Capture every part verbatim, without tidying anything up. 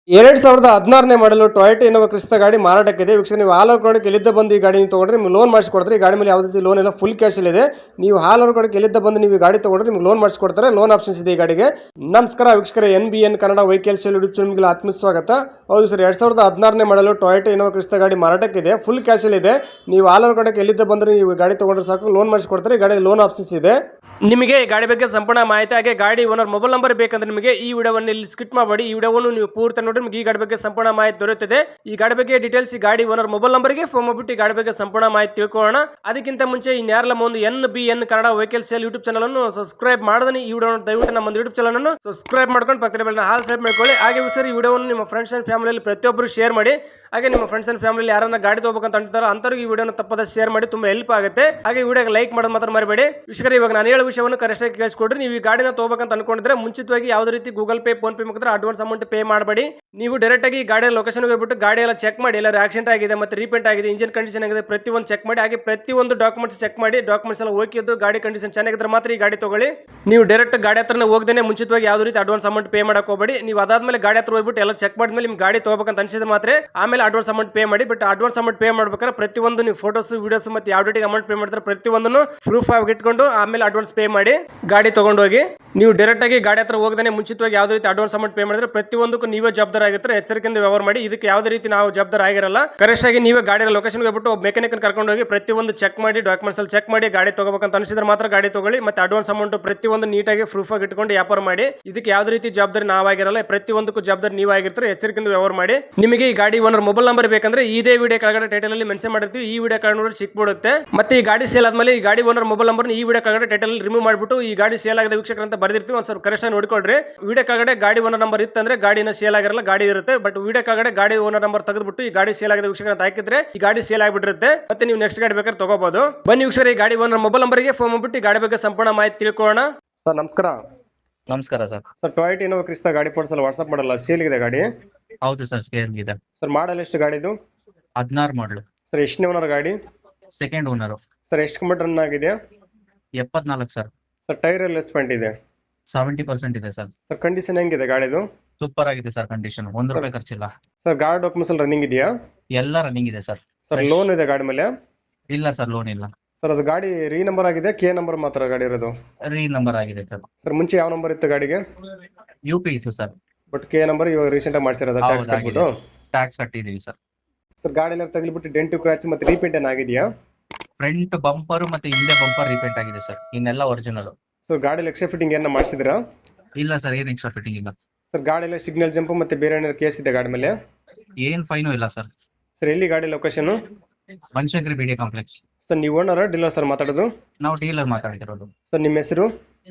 ಎರಡ್ ಸಾವಿರದ ಹದಿನಾರನೇ ಮಾಡಲು ಟೊಯೋಟಾ ಇನೋವಾ ಕ್ರಿಸ್ತಾ ಗಾಡಿ ಮಾರಾಟಕ್ಕಿದೆ. ವೀಕ್ಷಕ, ನೀವು ಹಾಲ್ ಕಡೆಗೆ ಎಲ್ಲಿದ್ದ ಬಂದು ಈ ಗಾಡಿ ತೊಗೊಂಡ್ರೆ ನಿಮ್ಗೆ ಲೋನ್ ಮಾಡಿಸ್ಕೊಡ್ತಾರೆ. ಈ ಗಾಡಿ ಮೇಲೆ ಯಾವುದೇ ರೀತಿ ಲೋನ್ ಇಲ್ಲ, ಫುಲ್ ಕ್ಯಾಶ್ ಇದೆ. ನೀವು ಹಾಲ್ ಕಡೆಗೆ ಎಲ್ಲಿದ್ದ ಬಂದು ನೀವು ಈ ಗಾಡಿ ತೊಗೊಂಡ್ರೆ ನಿಮ್ಗೆ ಲೋನ್ ಮಾಡಿಸ್ಕೊಡ್ತಾರೆ. ಲೋನ್ ಆಪ್ಷನ್ಸ್ ಇದೆ ಈ ಗಾಡಿಗೆ. ನಮಸ್ಕಾರ ವೀಕ್ಷಕರ, N B N Kannada vehicle sale YouTube ಚಾನಲ್ಗೆ ಆತ್ಮ ಸ್ವಾಗತ. ಹೌದು ಸರ್, ಎರಡ್ ಸಾವಿರದ ಹದಿನಾರನೇ ಮಾಡಲು ಟೊಯೋಟಾ ಇನೋವಾ ಕ್ರಿಸ್ತಾ ಗಾಡಿ ಮಾರಾಟಕ್ಕಿದೆ. ಫುಲ್ ಕ್ಯಾಶ್ ಇದೆ. ನೀವು ಹಾಲ್ ಕಡೆಗೆ ಎಲ್ಲಿದ್ದ ಬಂದ್ರೆ ನೀವು ಗಾಡಿ ತೊಗೊಂಡ್ರೆ ಸಾಕು, ಲೋನ್ ಮಾಡಿಸ್ಕೊಡ್ತಾರೆ. ಈ ಗಾಡಿ ಲೋನ್ ಆಪ್ಷನ್ಸ್ ಇದೆ. ನಿಮಗೆ ಈ ಗಾಡಿ ಬಗ್ಗೆ ಸಂಪೂರ್ಣ ಮಾಹಿತಿ ಹಾಗೆ ಗಾಡಿ ಓನರ್ ಮೊಬೈಲ್ ನಂಬರ್ ಬೇಕಂದ್ರೆ ನಿಮಗೆ ಈ ವಿಡಿಯೋವನ್ನು ಇಲ್ಲಿ ಸ್ಕಿಪ್ ಮಾಡಬೇಡಿ. ಈ ವಿಡಿಯೋವನ್ನು ನೀವು ಪೂರ್ತಿ ನೋಡಿ ನಿಮಗೆ ಈ ಗಾಡಿ ಬಗ್ಗೆ ಸಂಪೂರ್ಣ ಮಾಹಿತಿ ದೊರೆಯುತ್ತದೆ. ಈ ಗಾಡಿ ಬಗ್ಗೆ ಡೀಟೇಲ್ಸ್ ಈ ಗಾಡಿ ಓನರ್ ಮೊಬೈಲ್ ನಂಬರ್ಗೆ ಫೋನ್ ಮಾಡಿಬಿಟ್ಟು ಈ ಗಾಡಿ ಬಗ್ಗೆ ಸಂಪೂರ್ಣ ಮಾಹಿತಿ ತಿಳ್ಕೊಳ್ಳೋಣ. ಅದಕ್ಕಿಂತ ಮುಂಚೆ ಇನ್ಯಾರಲ್ಲ ಒಂದು N B N Kannada vehicle sale YouTube channel ಅನ್ನು ಸಬ್ಸ್ಕ್ರೈಬ್ ಮಾಡದನಿ ಈ ವಿಡಿಯೋ ದಯವಿಟ್ಟು ನಮ್ಮ ಯೂಟ್ಯೂಬ್ ಚಾನಲ್ ಅನ್ನು ಸಬ್ಸ್ಕ್ರೈಬ್ ಮಾಡ್ಕೊಂಡು ಪಕ್ಕದ ಬೆಲ್ಲ ಹಾಲ್ ಸಬ್ಸ್ಕ್ರೈಬ್ ಮಾಡ್ಕೊಳ್ಳಿ. ಹಾಗೆ ಸರ್, ಈ ವಿಡಿಯೋವನ್ನು ನಿಮ್ಮ ಫ್ರೆಂಡ್ಸ್ ಅಂಡ್ ಫ್ಯಾಮಿಲಿಯಲ್ಲಿ ಪ್ರತಿಯೊಬ್ಬರು ಶೇರ್ ಮಾಡಿ. ಹಾಗೆ ನಿಮ್ಮ ಫ್ರೆಂಡ್ಸ್ ಅಂಡ್ ಫ್ಯಾಮಿಲಿ ಯಾರನ್ನ ಗಾಡಿ ತಗೋಬೇಕಂತ ಅಂತಾರೋ ಅಂತವ್ರಿಗೆ ಈ ವಿಡಿಯೋನ ತಪ್ಪದ ಶೇರ್ ಮಾಡಿ, ತುಂಬಾ ಹೆಲ್ಪ್ ಆಗುತ್ತೆ. ಹಾಗೆ ವಿಡಿಯೋಗೆ ಲೈಕ್ ಮಾಡೋದು ಮಾತ್ರ ಮರಿಬೇಡಿ. ವಿಷಯ ಇವಾಗ ನಾನು ಹೇಳೋ ವಿಷಯವನ್ನು ಕರೆಕ್ಟ್ ಆಗಿ ಕೇಳಿಸ್ಕೊಡ್ರಿ. ನೀವು ಈ ಗಾಡಿನ ತಗೋಬೇಕಂತ ಅನ್ಕೊಂಡಿದ್ರೆ ಮುಂಚಿತವಾಗಿ ಯಾವುದೇ ರೀತಿ ಗೂಗಲ್ ಪೇ ಫೋನ್ ಪೇ ಮುಖಾಂತರ ಅಡ್ವಾನ್ಸ್ ಅಮೌಂಟ್ ಪೇ ಮಾಡಬೇಡಿ. ನೀವು ಡೈರೆಕ್ಟ್ ಆಗಿ ಗಾಡಿಯ ಲೊಕೇಶನ್ ಹೋಗ್ಬಿಟ್ಟು ಗಾಡಿ ಎಲ್ಲ ಚೆಕ್ ಮಾಡಿ, ಎಲ್ಲ ಆಕ್ಸಿಡೆಂಟ್ ಆಗಿದೆ ಮತ್ತೆ ರೀಪೇಂಟ್ ಆಗಿದೆ, ಇಂಜಿನ್ ಕಂಡೀಷನ್ ಆಗಿದೆ, ಪ್ರತಿಯೊಂದು ಚೆಕ್ ಮಾಡಿ. ಹಾಗೆ ಪ್ರತಿಯೊಂದು ಡಾಕ್ಯುಮೆಂಟ್ಸ್ ಚೆಕ್ ಮಾಡಿ, ಡಾಕ್ಯುಮೆಂಟ್ಸ್ ಎಲ್ಲ ಓಕೆ ಇದ್ದು ಗಾಡಿ ಕಂಡೀಷನ್ ಚೆನ್ನಾಗಿದ್ರೆ ಮಾತ್ರ ಈ ಗಾಡಿ ತಗೊಳ್ಳಿ. ನೀವು ಡೈರೆಕ್ಟ್ ಗಾಡಿ ಹತ್ರನೇ ಹೋಗದೇನೆ ಮುಂಚಿತವಾಗಿ ಯಾವುದೇ ರೀತಿ ಅಡ್ವಾನ್ಸ್ ಅಮೌಂಟ್ ಪೇ ಮಾಡಕ್ ಹೋಗಬೇಡಿ. ನೀವು ಅದಾದ್ಮೇಲೆ ಗಾಡಿ ಹತ್ರ ಹೋಗ್ಬಿಟ್ಟು ಎಲ್ಲ ಚೆಕ್ ಮಾಡಿದ್ಮೇಲೆ ನಿಮ್ ಗಾಡಿ ತಗೋಬೇಕಂತ ಅನ್ಸಿದ್ರೆ ಮಾತ್ರ ಆಮೇಲೆ ಅಡ್ವಾನ್ಸ್ ಅಮೌಂಟ್ ಪೇ ಮಾಡಿ. ಬಟ್ ಅಡ್ವಾನ್ಸ್ ಅಮೌಂಟ್ ಪೇ ಮಾಡ್ಬೇಕಾದ್ರೆ ಪ್ರತಿಯೊಂದು ನೀವು ಫೋಟೋಸ್ ವಿಡಿಯೋಸ್ ಮತ್ತೆ ಯಾವ ಡೇಟಿಗೆ ಅಮೌಂಟ್ ಪೇ ಮಾಡ್ತಾರೆ ಪ್ರತಿಯೊಂದನ್ನು ಪ್ರೂಫ್ ಆಗಿ ಇಟ್ಕೊಂಡು ಆಮೇಲೆ ಅಡ್ವಾನ್ಸ್ ಪೇ ಮಾಡಿ ಗಾಡಿ ತಗೊಂಡು ಹೋಗಿ. ನೀವು ಡೈರೆಕ್ಟ್ ಆಗಿ ಗಾಡಿ ಹತ್ರ ಹೋಗದೇ ಮುಂಚಿತವಾಗಿ ಯಾವುದೇ ರೀತಿ ಅಡ್ವಾನ್ಸ್ ಅಮೌಂಟ್ ಪೇ ಮಾಡಿದ್ರೆ ಪ್ರತಿಯೊಂದಕ್ಕೂ ನೀವೇ ಜವಾಬ್ದಾರ ಆಗಿರ್ತಾರೆ. ಎಚ್ಚರಿಕೆಯಿಂದ ವ್ಯವಹಾರ ಮಾಡಿ. ಇದಕ್ಕೆ ಯಾವುದೇ ರೀತಿ ನಾವು ಜವಾಬ್ದಾರ ಆಗಿರಲ್ಲ. ಕರೆಕ್ಟ್ ಆಗಿ ನೀವೇ ಗಾಡಿ ಲೊಕೇಶನ್ ಹೋಗ್ಬಿಟ್ಟು ಮೆಕ್ಯಾನಿಕ್ ಕರ್ಕೊಂಡು ಹೋಗಿ ಪ್ರತಿಯೊಂದು ಚೆಕ್ ಮಾಡಿ, ಡಾಕ್ಯುಮೆಂಟ್ಸ್ ಅಲ್ಲಿ ಚೆಕ್ ಮಾಡಿ ಗಾಡಿ ತಗೋಬೇಕಂತ ಅನಿಸಿದ್ರೆ ಮಾತ್ರ ಗಾಡಿ ತಗೊಳ್ಳಿ. ಮತ್ತೆ ಅಡ್ವಾನ್ಸ್ ಅಮೌಂಟ್ ಪ್ರತಿಯೊಂದು ನೀಟಾಗಿ ಪ್ರೂಫ್ ಆಗಿ ಇಟ್ಕೊಂಡು ವ್ಯಾಪಾರ ಮಾಡಿ. ಇದಕ್ಕೆ ಯಾವುದೇ ರೀತಿ ಜವಾಬ್ದಾರಿ ನಾವಾಗಿರಲ್ಲ, ಪ್ರತಿಯೊಂದಕ್ಕೂ ಜವಾಬ್ದಾರಿ ನೀವಾಗಿರ್ತಾರೆ. ಎಚ್ಚರಿಕೆಯಿಂದ ವ್ಯವಹಾರ ಮಾಡಿ. ನಿಮಗೆ ಈ ಗಾಡಿ ಓನರ್ ಮೊಬೈಲ್ ನಂಬರ್ ಬೇಕಂದ್ರೆ ಇದೇ ವಿಡಿಯೋ ಕೆಳಗಡೆ ಟೈಟಲ್ ಅಲ್ಲಿ ಮೆನ್ಷನ್ ಮಾಡಿರ್ತೀವಿ. ಈ ವಿಡಿಯೋ ಕೆಳಗಡೆ ನೋಡಿ ಸಿಕ್ಬಿಡುತ್ತೆ. ಮತ್ತೆ ಈ ಗಾಡಿ ಸೇಲ್ ಆದ್ಮೇಲೆ ಈ ಗಾಡಿ ಓನರ್ ಮೊಬೈಲ್ ನಂಬರ್ ಈ ವಿಡಿಯೋ ಕೆಳಗಡೆ ಟೈಟಲ್ ರಿಮೂವ್ ಮಾಡಿಬಿಟ್ಟು ಈ ಗಾಡಿ ಸೇಲ್ ಆಗಿದೆ ವೀಕ್ಷಕರು ಅಂತ ಬರ್ದಿರ್ತೀವಿ. ಒಂದು ಸ್ವಲ್ಪ ಕರೆಕ್ಟ್ ಆಗಿ ನೋಡ್ಕೊಳ್ರಿ. ವಿಡಿಯೋ ಕೆಳಗಡೆ ಗಾಡಿ ಓನರ್ ನಂಬರ್ ಇತ್ತಂದ್ರೆ ಗಾಡಿನ ಸೇಲ್ ಆಗಿರಲ್ಲ, ಗಾಡಿ ಇರುತ್ತೆ. ಬಟ್ ವಿಡಿಯೋ ಕೆಳಗಡೆ ಗಾಡಿ ಓನರ್ ನಂಬರ್ ತೆಗೆದ್ಬಿಟ್ಟು ಈ ಗಾಡಿ ಸೇಲ್ ಆಗಿದೆ ವೀಕ್ಷಕರು ಅಂತ ಹಾಕಿದ್ರೆ ಈ ಗಾಡಿ ಸೇಲ್ ಆಗಿಬಿಟ್ಟಿರುತ್ತೆ. ಮತ್ತೆ ನೀವು ನೆಕ್ಸ್ಟ್ ಗಾಡಿ ಬೇಕಾದ್ರೆ ತಗೋಬಹುದು. ಬನ್ನಿ ವೀಕ್ಷಕರು, ಈ ಗಾಡಿ ಓನರ್ ಮೊಬೈಲ್ ನಂಬರ್ಗೆ ಫೋನ್ ಮಾಡ್ಬಿಟ್ಟು ಈ ಗಾಡಿ ಬಗ್ಗೆ ಸಂಪೂರ್ಣ ಮಾಹಿತಿ ತಿಳ್ಕೊಳ್ಳೋಣ. ಸರ್ ನಮಸ್ಕಾರ. ನಮಸ್ಕಾರ sir. Sir, Toyota Innova Crysta ಗಾಡಿ ಫೋಟೋಸ್ ಎಲ್ಲ ವಾಟ್ಸ್ಆಪ್ ಮಾಡಲ್ಲ, ಸೇಲ್ ಇದೆ ಗಾಡಿ? ಹೌದು ಸರ್, ಸೇಲ್ ಇದೆ. ಸರ್, ಮಾಡಲ್ ಎಷ್ಟು ಗಾಡಿದು? ಹದಿನಾರು ಮಾಡಲು. ಸರ್, ಎಷ್ಟನೇ ಓನರ್ ಗಾಡಿ? Second owner. ಸರ್, ಎಷ್ಟು ಕಿಲೋಮೀಟರ್ ರನ್ ಆಗಿದೆ? ಎಪ್ಪತ್ನಾಲ್ಕು ಸರ್. ಸರ್, ಟೈರ್ ಎಲ್ಲ ಸ್ಪೆಂಟ್ ಇದೆ? ಸೆವೆಂಟಿ ಪರ್ಸೆಂಟ್ ಇದೆ ಸರ್. ಸರ್, ಕಂಡೀಷನ್ ಹೆಂಗಿದೆ ಗಾಡಿದು? ಸೂಪರ್ ಆಗಿದೆ ಸರ್ ಕಂಡೀಷನ್, ಒಂದು ರೂಪಾಯಿ ಖರ್ಚಿಲ್ಲ. ಸರ್, ಗಾಡಿ ಡಾಕ್ಯುಮೆಂಟ್ಸ್ ಎಲ್ಲ ರನ್ನಿಂಗ್ ಇದೆಯಾ? ಎಲ್ಲ ರನ್ನಿಂಗ್ ಇದೆ ಸರ್. ಸರ್, ಲೋನ್ ಇದೆ ಗಾಡಿ ಮೇಲೆ? ಇಲ್ಲ ಸರ್, ಲೋನ್ ಇಲ್ಲ. ಸರ್, ಅದು ಗಾಡಿ ರೀ ನಂಬರ್ ಆಗಿದೆ, ಕೆ ನಂಬರ್ ಮಾತ್ರ ಗಾಡಿ ಇರೋದು? ರೀ ನಂಬರ್ ಆಗಿದೆ ಸರ್. ಸರ್, ಮುಂಚೆ ಯಾವ ನಂಬರ್ ಇತ್ತು ಗಾಡಿಗೆ? ಯು ಪಿ ಇತ್ತು ಸರ್. ಬಟ್ ಕೆ ನಂಬರ್ ಇವಾಗ ರೀಸೆಂಟ್ ಆಗಿ ಮಾಡಿಸಿರೋದು ಟ್ಯಾಕ್ಸ್ ಕಟ್ಬಿಟ್ಟು? ಟ್ಯಾಕ್ಸ್ ಕಟ್ಟಿದೀವಿ ಸರ್. ಸರ್, ಗಾಡಿ ಎಲ್ಲ ತಗಲಿಬಿಟ್ಟು ಡೆಂಟು ಕ್ರಾಚ್ ಮತ್ತೆ ರೀಪೇಂಟ್ ಏನ್ ಆಗಿದೆಯಾ? ಫ್ರಂಟ್ ಬಂಪರ್ ಮತ್ತೆ ಹಿಂದೆ ಬಂಪರ್ ರಿಪೇಂಟ್ ಆಗಿದೆ ಸರ್, ಇನ್ನೆಲ್ಲ ಒರಿಜಿನಲ್. ಸರ್, ಗಾಡಿ ಎಕ್ಸ್ಟ್ರಾ ಫಿಟ್ಟಿಂಗ್ ಏನ ಮಾಡಿಸಿದ್ರಾ? ಇಲ್ಲ ಸರ್, ಏನ್ ಎಕ್ಸ್ಟ್ರಾ ಫಿಟ್ಟಿಂಗ್ ಇಲ್ಲ. ಸರ್, ಗಾಡಿ ಎಲ್ಲ ಸಿಗ್ನಲ್ ಜಂಪ್ ಮತ್ತೆ ಬೇರೆ ಏನಾದ್ರು ಕೇಸ್ ಇದೆ ಗಾಡಿ ಮೇಲೆ? ಏನ್ ಫೈನು ಇಲ್ಲ ಸರ್. ಸರ್, ಎಲ್ಲಿ ಗಾಡಿ ಲೊಕೇಶನ್? ಬನಶಂಕರಿ ಬಿಡಿ ಕಾಂಪ್ಲೆಕ್ಸ್. ಸರ್, ನೀವು ಓನರ್ ಡೀಲರ್ ಸರ್ ಮಾತಾಡೋದು? ನಾವು ಡೀಲರ್ ಮಾತಾಡ್ತಿರೋದು. ಸರ್, ನಿಮ್ಮ ಹೆಸರು?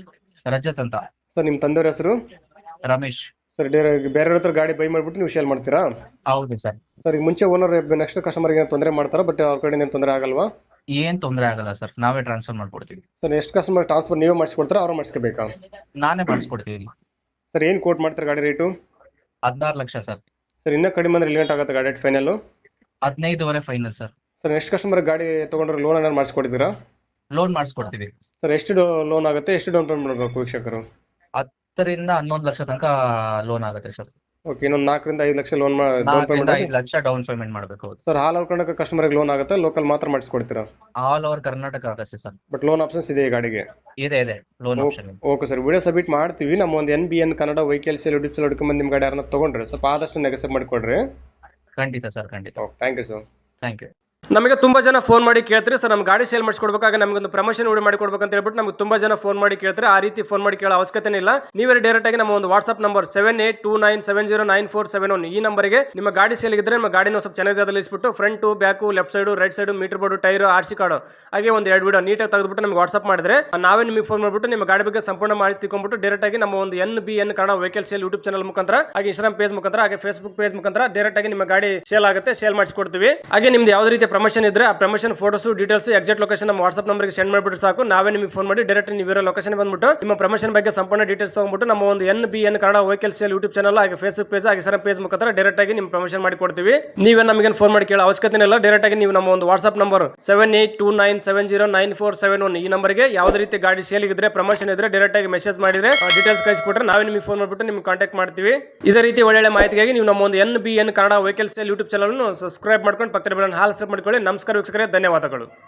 ರಜತ್ ಅಂತ. ಸರ್, ನಿಮ್ಮ ತಂದೆಯವ್ರ ಹೆಸರು? ರಮೇಶ್. ಸರ್, ಬೇರೆ ಹತ್ರ ಗಾಡಿ ಬೈ ಮಾಡ್ಬಿಟ್ಟು ನೀವು ಸೇಲ್ ಮಾಡ್ತೀರಾ? ಹೌದು ಸರ್. ಸರ್, ಈಗ ಮುಂಚೆ ಓನರ್ ನೆಕ್ಸ್ಟ್ ಕಸ್ಟಮರ್ಗೆ ಏನು ತೊಂದರೆ ಮಾಡ್ತಾರಾ? ಬಟ್ ಅವ್ರ ಕಡೆಯಿಂದ ಏನು ತೊಂದರೆ ಆಗಲ್ವಾ? ಏನ್ ತೊಂದರೆ ಆಗಲ್ಲ ಸರ್, ನಾವೇ ಟ್ರಾನ್ಸ್ಫರ್ ಮಾಡ್ಕೊಡ್ತೀವಿ. ಸರ್, ಎಷ್ಟು ಕಸ್ಟಮರ್ ಟ್ರಾನ್ಸ್ಫರ್ ನೀವೇ ಮಾಡಿಸ್ಕೊಡ್ತಾರಾ ಅವ್ರು ಮಾಡಿಸ್ಕೋಬೇಕಾ? ನಾನೇ ಮಾಡಿಸ್ಕೊಡ್ತೀವಿ. ಸರ್, ಏನು ಕೋಟ್ ಮಾಡ್ತಾರೆ ಗಾಡಿ ರೇಟು? ಹದಿನಾರು ಲಕ್ಷ ಸರ್. ಸರ್, ಇನ್ನೂ ಕಡಿಮೆ ಅಂದ್ರೆ ಲಿಮಿಟ್ ಆಗುತ್ತೆ ಗಾಡಿ ಫೈನಲ್? ಹದಿನೈದುವರೆ ಫೈನಲ್ ಸರ್. ಸರ್, ಎಷ್ಟು ಕಸ್ಟಮರ್ ಗಾಡಿ ತೊಗೊಂಡ್ರೆ ಲೋನ್ ಏನಾದ್ರು ಮಾಡಿಸ್ಕೊಡ್ತೀರಾ? ಲೋನ್ ಮಾಡಿಸ್ಕೊಡ್ತೀವಿ ಸರ್, ಎಷ್ಟು ಲೋನ್ ಆಗುತ್ತೆ, ಎಷ್ಟು ಡೌನ್ ಪೇಮೆಂಟ್ ಮಾಡಬೇಕು ವೀಕ್ಷಕರು? ಹತ್ತರಿಂದ ಹನ್ನೊಂದು ಲಕ್ಷ ತನಕ ಲೋನ್ ಆಗುತ್ತೆ ಸರ್. ಓಕೆ, ಇನ್ನೊಂದು ನಾಲ್ಕರಿಂದ ಐದು ಲಕ್ಷ ಲೋನ್ ಡೌನ್ ಪೇಮೆಂಟ್? ಐದು ಲಕ್ಷ ಡೌನ್ ಪೇಮೆಂಟ್ ಮಾಡಬೇಕು. ಸರ್, ಹಾಲ್ ಕರ್ನಾಟಕ ಕಸ್ಟಮರ್ಗೆ ಲೋನ್ ಆಗುತ್ತೆ, ಲೋಕಲ್ ಮಾತ್ರ ಮಾಡಿಸ್ಕೊಡ್ತೀರಾ? ಆಲ್ ಓವರ್ ಕರ್ನಾಟಕ ಆಗುತ್ತೆ ಸರ್. ಬಟ್ ಲೋನ್ ಆಪ್ಷನ್ಸ್ ಇದೆ ಈ ಗಾಡಿಗೆ? ಇದೆ ಇದೆ loan option. Okay sir, video submit ಮಾಡ್ತೀವಿ. ನಮ್ಮ ಒಂದು N B N Kannada vehicle sale YouTube channel ಹುಡ್ಕೊಂಡ್ ನಿಮ್ಮ ಗಾಡಿ ಯಾರನ್ನ ತೊಗೊಂಡ್ರೆ ಸ್ವಲ್ಪ ಆದಷ್ಟು ನೆಗೆಸಬ್ ಮಾಡಿಕೊಡ್ರಿ. ಖಂಡಿತ ಸರ್, ಖಂಡಿತ. Okay, thank you sir. Thank you. ನಮಗೆ ತುಂಬಾ ಜನ ಫೋನ್ ಮಾಡಿ ಕೇಳ್ತಾರೆ, ಸರ್ ನಮ್ಮ ಗಾಡಿ ಸೇಲ್ ಮಾಡಿಸ್ಕೊಡ್ಬೇಕಾಗ ನಮಗೊಂದು ಪ್ರಮೋಷನ್ ವಿಡಿಯೋ ಮಾಡಿಕೊಡ್ಬೇಕು ಅಂತ ಹೇಳ್ಬಿಟ್ಟು ನಮ್ಗೆ ತುಂಬಾ ಜನ ಫೋನ್ ಮಾಡಿ ಕೇಳ್ತಾರೆ. ಆ ರೀತಿ ಫೋನ್ ಮಾಡಿ ಕೇಳೋ ಅವಶ್ಯಕತೆ ಇಲ್ಲ. ನೀವೇ ಡೈರೆಕ್ಟ್ ಆಗಿ ನಮ್ಮ ಒಂದು WhatsApp number seven eight two nine seven zero nine four seven one ಈ ನಂಬರ್ಗೆ ನಿಮ್ಮ ಗಾಡಿ ಸೇಲ್ ಇದ್ರೆ ನಮ್ಮ ಗಾಡಿನ ಸ್ವಲ್ಪ ಚೆನ್ನಾಗಿ ಜಾಗದಲ್ಲಿಸ್ಬಿಟ್ಟು front back left side right side meter board tyre R C card ಹಾಗೆ ಒಂದು ಎರಡು ವಿಡಿಯೋ ನೀಟಾಗಿ ತೆಗೆದುಬಿಟ್ಟು ನಮಗೆ ವಾಟ್ಸ್ಆಪ್ ಮಾಡಿದ್ರೆ ನಾವೇ ನಿಮಗೆ ಫೋನ್ ಮಾಡಿಬಿಟ್ಟು ನಿಮ್ಮ ಗಾಡಿ ಬಗ್ಗೆ ಸಂಪೂರ್ಣ ಮಾಹಿತಿ ತಿಳ್ಕೊಂಡ್ಬಿಟ್ಟು ಡೈರೆಕ್ಟ್ ಆಗಿ ನಮ್ಮ ಒಂದು N B N Kannada vehicle sale YouTube channel ಮುಖಾಂತರ ಹಾಗೆ ಇನ್ಸ್ಟಾಗ್ರಾಮ್ ಪೇಜ್ ಮುಖಾಂತರ ಹಾಗೆ ಫೇಸ್ಬುಕ್ ಪೇಜ್ ಮುಖಾಂತರ ಡೈರೆಕ್ಟ್ ಆಗಿ ನಿಮ್ಮ ಗಾಡಿ ಸೇಲ್ ಆಗುತ್ತೆ, ಸೇಲ್ ಮಾಡಿಸ್ಕೊಡ್ತೀವಿ. ಹಾಗೆ ನಿಮ್ದು ಯಾವುದೇ ರೀತಿ ಪ್ರಮೋಷನ್ ಇದ್ರೆ ಆ promotion photos details exact location ನಮ್ಮ ವಾಟ್ಸ್ಆಪ್ ನಂಬರ್ಗೆ ಸೆಂಡ್ ಮಾಡಿಬಿಟ್ಟು ಸಾಕು. ನಾವೇ ನಿಮಗೆ ಫೋನ್ ಮಾಡಿ ಡೈರೆಕ್ಟ್ ನೀವು ಇರೋ ಲೊಕೇಶನ್ ಬಂದ್ಬಿಟ್ಟು ನಿಮ್ಮ ಪ್ರಮೋಷನ್ ಬಗ್ಗೆ ಸಂಪೂರ್ಣ ಡೀಟೇಲ್ಸ್ ತಗೊಂಡ್ಬಿಟ್ಟು ನಮ್ಮ ಒಂದು N B N Kannada vehicle sale YouTube channel ಹಾಗೆ ಫೇಸ್ಬುಕ್ ಪೇಜ್ ಹಾಗೆ ಸರ್ ಪೇಜ್ ಮುಖಾಂತರ ಡೈರೆಕ್ಟ್ ಆಗಿ ನಿಮ್ಮ ಪ್ರಮೋಷನ್ ಮಾಡಿ ಕೊಡ್ತೀವಿ. ನೀವೇ ನಮಗೆ ಫೋನ್ ಮಾಡಿ ಕೇಳೋ ಅವಶ್ಯಕತೆ ಇಲ್ಲ. ಡೈರೆಕ್ಟ್ ಆಗಿ ನೀವು ನಮ್ಮ ಒಂದು WhatsApp number seven eight two nine seven zero nine four seven one ಈ ನಂಬರ್ಗೆ ಯಾವುದೇ ರೀತಿ ಗಾಡಿ ಸೇಲ್ ಇದ್ರೆ ಪ್ರಮೋಷನ್ ಇದ್ರೆ ಡೈರೆಕ್ಟ್ ಆಗಿ ಮೆಸೇಜ್ ಮಾಡಿದ್ರೆ ಡೀಟೇಲ್ಸ್ ಕಳಿಸ್ಕೊಟ್ರೆ ನಾವೇ ನಿಮಗೆ ಫೋನ್ ಮಾಡಿಬಿಟ್ಟು ನಿಮ್ಗೆ ಕಾಂಟ್ಯಾಕ್ಟ್ ಮಾಡ್ತೀವಿ. ಇದೇ ರೀತಿ ಒಳ್ಳೆ ಮಾಹಿತಿಗಾಗಿ ನೀವು ನಮ್ಮ ಒಂದು N B N Kannada vehicle sale YouTube channel subscribe ಮಾಡ್ಕೊಂಡು ಪಕ್ಕದ ಬೆಲ್ಲ ಹಾಲ್ ಸಬ್ ಮಾಡ್ಕೊಳ್ಳಿ. ನಮಸ್ಕಾರ ವೀಕ್ಷಕರೇ, ಧನ್ಯವಾದಗಳು.